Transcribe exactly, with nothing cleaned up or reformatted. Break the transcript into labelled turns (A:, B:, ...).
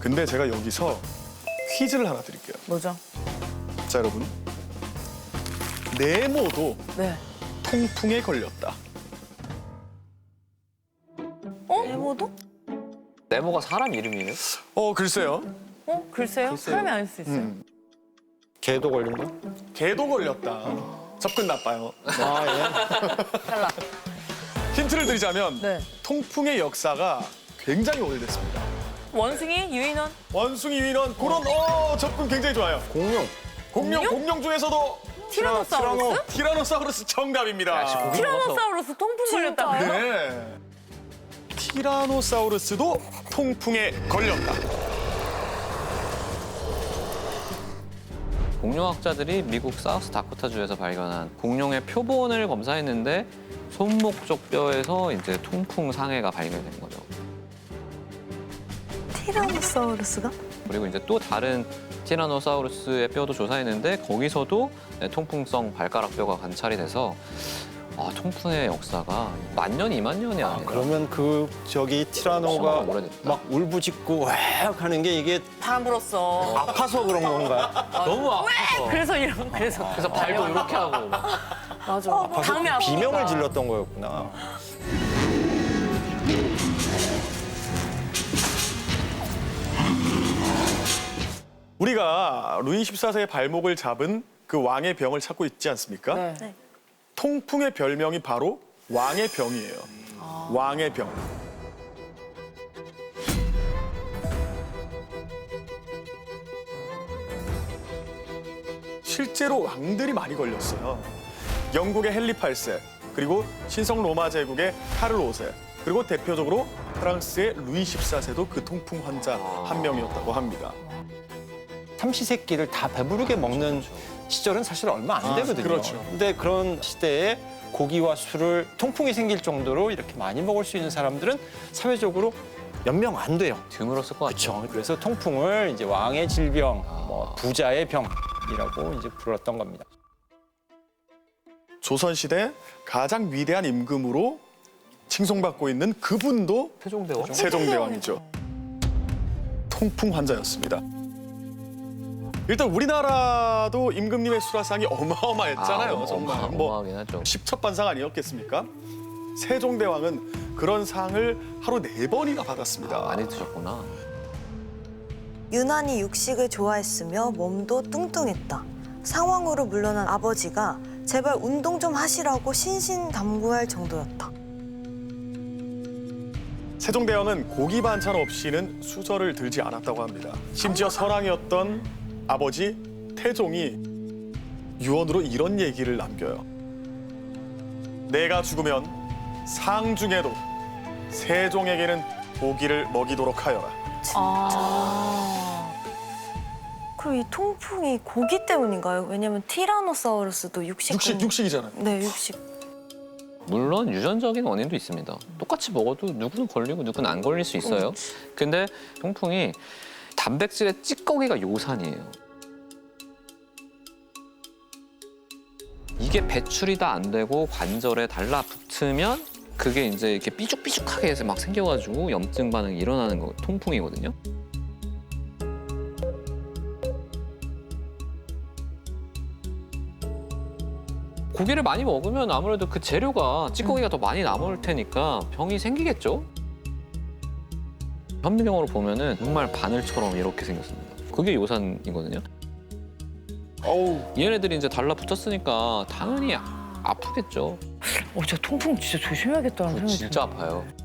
A: 근데 제가 여기서 퀴즈를 하나 드릴게요.
B: 뭐죠?
A: 자, 여러분. 네모도
B: 네.
A: 통풍에 걸렸다.
B: 네모도?
C: 네모가 사람 이름이에요?
A: 어, 글쎄요.
B: 어? 글쎄요.
C: 글쎄요.
B: 사람이 아닐 수 있어요.
A: 음.
D: 개도 걸린다?
A: 개도 걸렸다. 접근 나빠요.
D: 아, 예.
B: 탈락.
A: 힌트를 드리자면
B: 네.
A: 통풍의 역사가 굉장히 오래됐습니다.
B: 원숭이, 유인원.
A: 원숭이 유인원 그런 어 접근 굉장히 좋아요.
D: 공룡.
A: 공룡
B: 공룡?
A: 공룡 중에서도
B: 티라노사우루스?
A: 티라노사우루스 정답입니다.
C: 역시 공룡.
B: 티라노사우루스 통풍 걸렸다고요?
A: 네. 티라노사우루스도 통풍에 걸렸다.
C: 공룡학자들이 미국 사우스 다코타주에서 발견한 공룡의 표본을 검사했는데 손목 쪽 뼈에서 이제 통풍 상해가 발견된 거죠.
E: 티라노사우루스가?
C: 그리고 이제 또 다른 티라노사우루스의 뼈도 조사했는데 거기서도 네, 통풍성 발가락 뼈가 관찰이 돼서 아, 통풍의 역사가 만 년, 이만 년이
D: 아,
C: 아니라
D: 그러면 그 저기 티라노가
C: 엄청 오래됐다.
D: 막 울부짖고 왁 하는 게 이게
B: 바람 불었어.
D: 아파서 그런 건가요?
C: 너무 아파서
B: 그래서 이런 그래서.
C: 그래서 발도 이렇게 하고 막.
B: 맞아.
D: 아파서
B: 당이 아프니까.
D: 비명을 질렀던 거였구나.
A: 우리가 루이 십사 세의 발목을 잡은 그 왕의 병을 찾고 있지 않습니까?
B: 네.
E: 네.
A: 통풍의 별명이 바로 왕의 병이에요. 왕의 병. 실제로 왕들이 많이 걸렸어요. 영국의 헨리 팔 세, 그리고 신성 로마 제국의 카를 오 세, 그리고 대표적으로 프랑스의 루이 십사 세도 그 통풍 환자 한 명이었다고 합니다.
D: 삼시세끼를 다 배부르게 먹는 시절은 사실 얼마 안 되거든요.
A: 그렇죠.
D: 근데 그런 시대에 고기와 술을 통풍이 생길 정도로 이렇게 많이 먹을 수 있는 사람들은 사회적으로 몇 명 안 돼요.
C: 드물었을 것 같아요.
D: 그렇죠. 그래서 통풍을 이제 왕의 질병, 뭐 부자의 병이라고 이제 불렀던 겁니다.
A: 조선시대 가장 위대한 임금으로 칭송받고 있는 그분도
C: 세종대왕?
A: 세종대왕이죠. 통풍 환자였습니다. 일단 우리나라도 임금님의 수라상이 어마어마했잖아요.
C: 아,
A: 정말
C: 어마-
A: 뭐
C: 어마하긴 하죠.
A: 십첩반상 아니었겠습니까? 세종대왕은 그런 상을 하루 네 번이나 받았습니다.
C: 아, 많이 드셨구나.
E: 유난히 육식을 좋아했으며 몸도 뚱뚱했다. 상황으로 물러난 아버지가 제발 운동 좀 하시라고 신신당부할 정도였다.
A: 세종대왕은 고기 반찬 없이는 수저를 들지 않았다고 합니다. 심지어 선왕이었던 아버지 태종이 유언으로 이런 얘기를 남겨요. 내가 죽으면 상 중에도 세종에게는 고기를 먹이도록 하여라.
B: 아.
E: 그럼 이 통풍이 고기 때문인가요? 왜냐면 티라노사우루스도 육식.
A: 육식, 육식이잖아요.
E: 네, 육식.
C: 물론 유전적인 원인도 있습니다. 똑같이 먹어도 누구는 걸리고 누구는 안 걸릴 수 있어요. 근데 통풍이 단백질의 찌꺼기가 요산이에요. 이게 배출이 다 안 되고 관절에 달라붙으면 그게 이제 이렇게 삐죽삐죽하게 해서 막 생겨가지고 염증 반응이 일어나는 거 통풍이거든요. 고기를 많이 먹으면 아무래도 그 재료가 찌꺼기가 더 많이 남을 테니까 병이 생기겠죠. 현미경으로 보면은 정말 바늘처럼 이렇게 생겼습니다. 그게 요산이거든요.
A: 어우,
C: 얘네들이 이제 달라붙었으니까 당연히 아- 아프겠죠.
B: 어, 저 통풍 진짜 조심해야겠다는
C: 그거
B: 생각이
C: 진짜 아파요.